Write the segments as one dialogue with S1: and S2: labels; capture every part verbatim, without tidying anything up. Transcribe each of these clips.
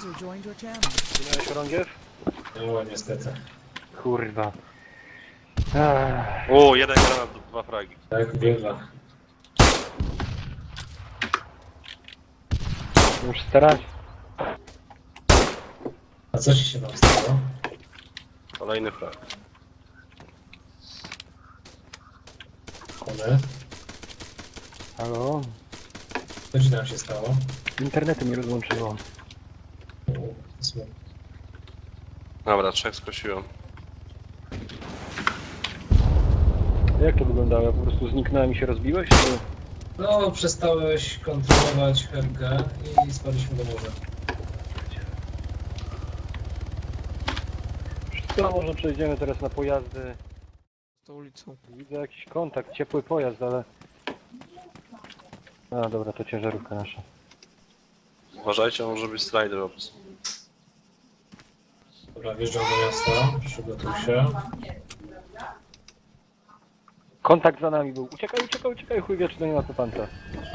S1: User joined your channel.
S2: Miałeś orądziew?
S3: No niestety.
S2: Kurwa. Ech.
S4: O, jeden granat, dwa fragi.
S3: Tak, biega.
S2: Muszę starać.
S3: A co ci się tam stało?
S4: Kolejny frag.
S3: One?
S2: Halo?
S3: Co ci tam się stało?
S2: Internetu mi rozłączyło.
S3: U, smutno.
S4: Dobra, trzech skosiłem.
S2: Jak to wyglądało? Po prostu zniknąłem i się rozbiłeś? Czy...
S3: No, przestałeś kontrolować Helkę i spadliśmy do morza.
S2: Co, może przejdziemy teraz na pojazdy.
S5: tą ulicą.
S2: Widzę jakiś kontakt, ciepły pojazd, ale... A, dobra, to ciężarówka nasza.
S4: Uważajcie, może być strider ops.
S3: Dobra, wjeżdżam do miasta, przygotuj się.
S2: Kontakt za nami był. Uciekaj, uciekaj, uciekaj, chuj wie, czy to nie ma kopanta.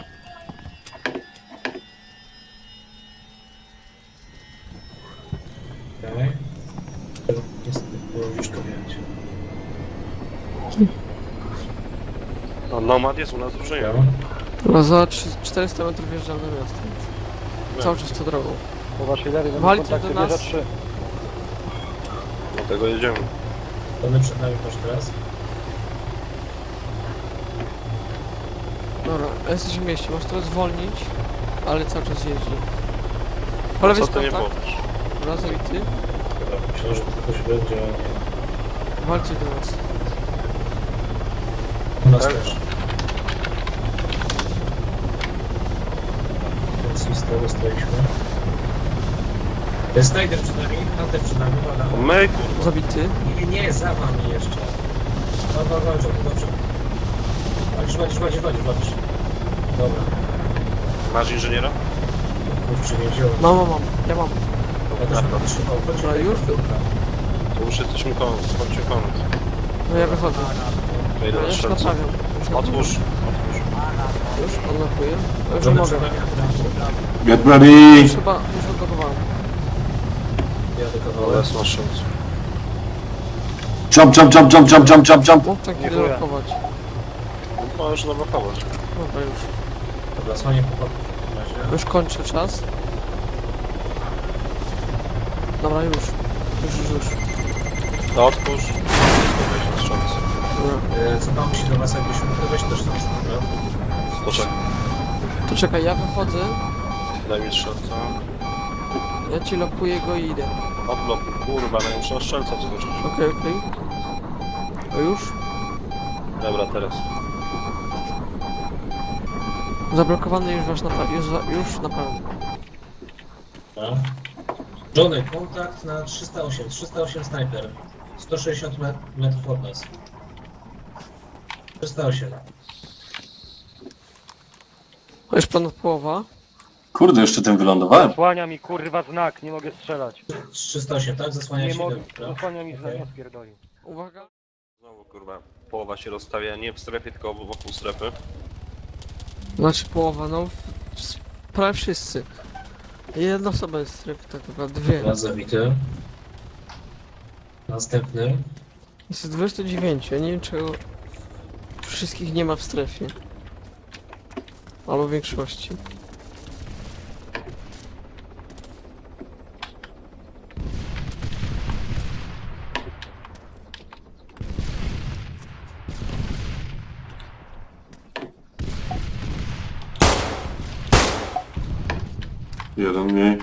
S3: Okej. Okay. Niestety, było już to wiedzieć.
S4: No, Nomad jest u nas drużynie.
S5: No za czterysta metrów wjeżdżam na miasto. Cały czas tą drogą.
S2: Po waszej lewej mamy
S5: Walcie
S2: kontakty
S5: do nas.
S2: wieża trzy.
S4: Dlatego jedziemy.
S3: Tony przed nami masz teraz.
S5: Dobra, jesteś w mieście, możesz teraz zwolnić, ale cały czas jeździ. Po lewej
S4: Co
S5: jest
S4: ty nie
S5: kontakt,
S4: powiesz?
S5: rozbity.
S3: Dobra, myślę, że to coś będzie.
S5: Walcie do nas.
S3: U nas
S4: Tak.
S3: też. Więc i z tego stoiliśmy. Jest Snyder przed nami, Hunter przed nami, uwaga.
S4: My, kurwa.
S5: Zabity.
S3: Nie, nie, za wami jeszcze. No, no, no, dobrze, dobrze. Walisz, walisz, walisz, walisz, walisz. Dobra.
S4: Masz inżyniera?
S3: Kurczę, nie wziąłem.
S5: Mam, mam, mam. Ja mam.
S3: Ja też będę trzymał. Chodź,
S5: Dobra, już?
S4: To już jesteśmy koniec, chodźcie koniec.
S5: No ja wychodzę.
S4: Ja idę
S5: Ja
S4: na
S5: już
S4: strzelca.
S5: naprawiam. Już naprawiam.
S4: Otwórz.
S5: Już odnokuję. To już
S3: Dobra,
S5: mogę.
S3: przed nami,
S6: Get ready!
S5: Już chyba, już odnokowałem.
S3: jadę
S4: Ale
S3: kawałek.
S4: jest na strzelcu.
S6: Jump, jump, jump, jump, jump, jump, jump, jump!
S5: Mów tak, kiedy
S2: Dziękuję.
S5: lokować.
S4: Możesz zablokować.
S5: Dobra, już.
S3: Dobra, słanie po w razie.
S5: Już kończę czas. Dobra, już. Już, już, już.
S4: To otwórz. Weź na strzelcu.
S5: Dobra.
S3: E, Co tam się do was jakbyśmy mógł weź też tam, dobra?
S4: Poczekaj.
S5: To czekaj, ja wychodzę.
S4: Daj mi strzelca.
S5: Ja ci lokuję go i idę.
S4: Odblokuj. Kurwa, no muszę na strzelca skoczyć.
S5: Okej, okej. To już?
S4: Dobra, teraz.
S5: Zablokowany już wasz napad. Już, za- już naprawdę.
S3: Dobra. Johnny, kontakt na trzysta osiem, trzysta osiem snajper. sto sześćdziesiąt met metrów od nas. trzysta osiem.
S5: To już ponad połowa.
S6: Kurde, jeszcze tym wylądowałem.
S2: Zasłania mi kurwa znak, nie mogę strzelać.
S3: trzysta osiem, tak? Zasłania
S2: Nie
S3: się
S2: mogę,
S3: dobra.
S2: zasłania mi znak,
S3: Okej.
S2: ja spierdolił.
S5: Uwaga.
S4: Znowu, kurwa, połowa się rozstawia nie w strefie, tylko wokół strefy.
S5: Znaczy połowa, no. w- s- Prawie wszyscy. Jedna osoba jest w strefie, tak naprawdę. Dwie.
S3: Raz zabity. Następny.
S5: Jest dwadzieścia dziewięć. Ja nie wiem czego wszystkich nie ma w strefie. Albo w większości.
S6: Jeden mniej.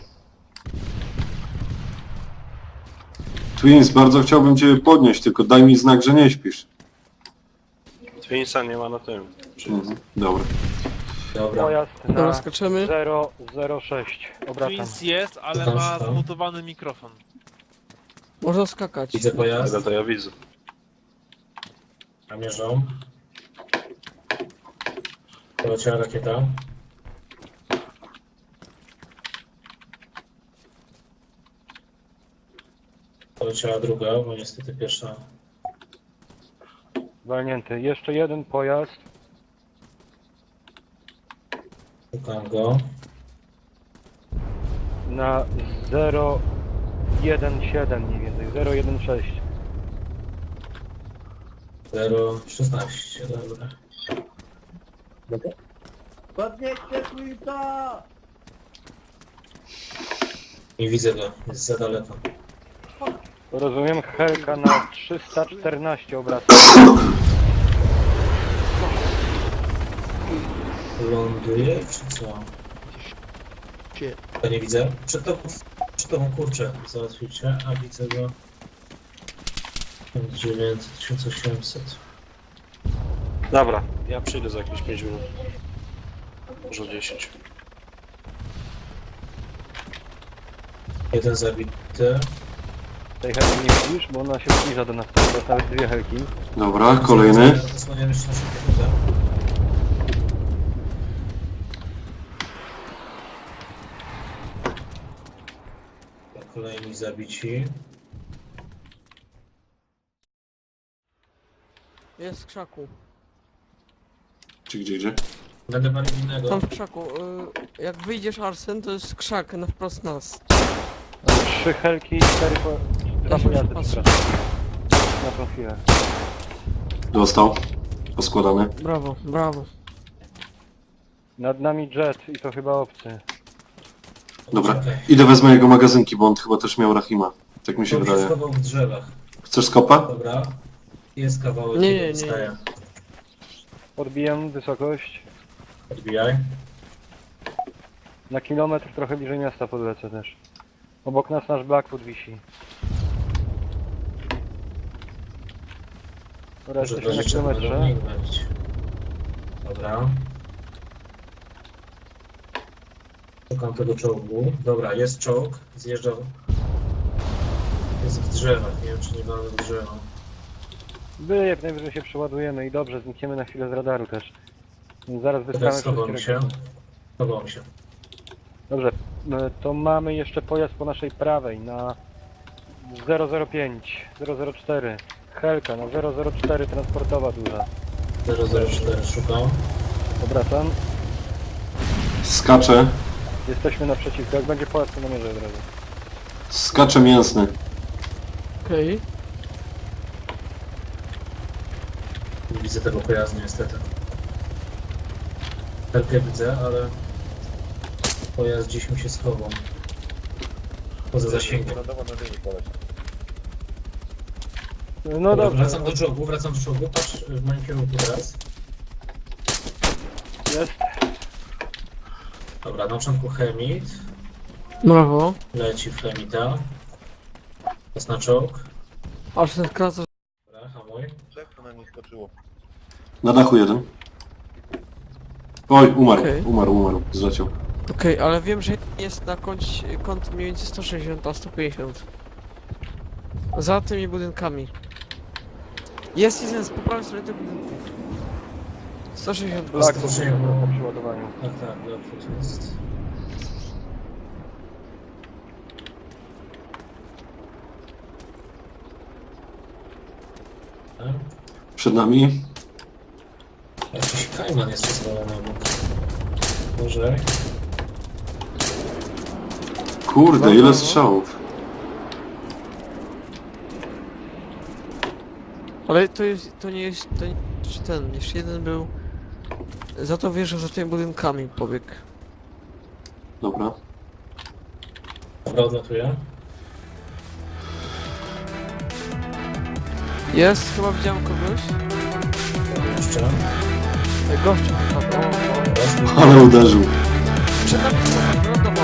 S6: Twins, bardzo chciałbym cię podnieść, tylko daj mi znak, że nie śpisz.
S4: Twinsa nie ma na tym. Czyli
S6: Mhm. Dobra.
S3: Dobra.
S2: Pojazd
S5: Dobra,
S2: na
S5: skaczemy.
S2: zero zero sześć. Obracam.
S7: Twins jest, ale
S3: tam
S7: ma
S3: się tam?
S7: zmutowany mikrofon.
S5: Można skakać.
S3: Widzę pojazd.
S4: tego to ja widzę.
S3: Namierzą. Poleciała rakieta. Poleciała druga, bo niestety pierwsza.
S2: Walnięty. Jeszcze jeden pojazd.
S3: Szukam go.
S2: na zero jeden siedem mniej więcej, zero jeden sześć.
S3: zero szesnaście, dobra.
S1: Podnieście Twita!
S3: Nie widzę go, jest za daleko.
S2: Rozumiem, Helka na trzysta czternaście obraców.
S3: Ląduje, czy co?
S5: Gdzie?
S3: Ja nie widzę. Przed tobą, przed tobą kurczę, załatwicie, a widzę go. tysiąc dziewięćset, tysiąc osiemset.
S4: Dobra, ja przyjdę za jakieś pięć minut. Może dziesięć.
S3: Jeden zabity.
S2: Tej Helki nie widzisz, bo ona się zbliża do nas, teraz nawet dwie Helki.
S6: Dobra, kolejny.
S3: Zasłaniam jeszcze naszą piechotę. Kolejni zabici.
S5: Jest w krzaku.
S6: Czy gdzie, gdzie?
S3: Będę palił innego.
S5: Tam w krzaku. Y, jak wyjdziesz Arsen, to jest krzak na wprost nas.
S2: Trzy Helki i cztery po... dwa
S5: Ja się
S2: pojazdy,
S5: patrzę.
S2: przepraszam. Na tą chwilę.
S6: Dostał. Poskładany.
S5: Brawo, brawo.
S2: Nad nami jet i to chyba obcy.
S6: Dobra.
S3: Czekaj.
S6: Idę wezmę jego magazynki, bo on chyba też miał Rahima. Tak mi się
S3: On się
S6: wydaje.
S3: schował w drzewach.
S6: Chcesz skopa?
S3: Dobra. Jest kawałek.
S5: Nie,
S3: który
S5: nie, nie.
S3: dostaję.
S2: Odbijam wysokość.
S3: Odbijaj.
S2: Na kilometr trochę bliżej miasta podlecę też. Obok nas nasz Blackwood wisi. Dobra,
S3: Może
S2: jesteśmy na
S3: dwadzieścia
S2: kilometrze.
S3: minut będzie. Dobra. Szukam tego czołgu. Dobra, jest czołg. Zjeżdża. Jest w drzewach. Nie wiem, czy nie mamy w drzewo.
S2: By jak najwyżej się przeładujemy i dobrze, znikniemy na chwilę z radaru też. Zaraz
S3: Teraz
S2: wystrzelamy
S3: schował mi
S2: wszystkie
S3: się.
S2: rakiety.
S3: Schował mi się.
S2: Dobrze, e, to mamy jeszcze pojazd po naszej prawej na zero zero pięć, zero zero cztery. Helka na zero zero cztery transportowa duża.
S3: zero zero cztery szukam.
S2: Obracam.
S6: Skacze.
S2: Jesteśmy naprzeciwko. Jak będzie pojazd, to namierzę od razu.
S6: Skacze mięsny.
S5: Okej.
S3: Nie widzę tego pojazdu niestety. Helkę widzę, ale pojazd gdzieś mi się schował. Poza zasięgiem.
S2: No
S3: Dobra,
S2: dobrze,
S3: wracam do czołgu, wracam do czołgu. Patrz w moim kierunku teraz.
S2: jest.
S3: Dobra, na początku chemit.
S5: Brawo.
S3: Leci w chemita. Jest na czołg.
S5: Arsen skraca.
S3: Dobra, hamuj.
S6: Na dachu jeden. Oj, umarł.
S5: Okej.
S6: Umarł, umarł. Zleciał.
S5: Okej, ale wiem, że jest na kąt, kąt mniej więcej sto sześćdziesiąt a sto pięćdziesiąt. Za tymi budynkami. Jest jeden z po prawej stronie tych budynków. sto sześćdziesiąt
S2: Black
S3: to
S2: po
S3: się-
S2: przeładowaniu.
S3: Tak, tak, dobrze jest. Tak.
S6: Przed nami.
S3: Jakiś kajman jest pozwolony obok. Może.
S6: Kurde, ile strzałów.
S5: Ale to jest, to nie jest, to nie jest ten, jeszcze jeden był. Za to wierzę, za tymi budynkami pobiegł.
S6: Dobra.
S3: Dobra, odlatuję.
S5: Jest, chyba widziałem kogoś.
S3: Jeszcze.
S5: E, Gościu, tak, o, o.
S3: Raz,
S6: Ale uderzył.
S5: Przed nami, wylądował.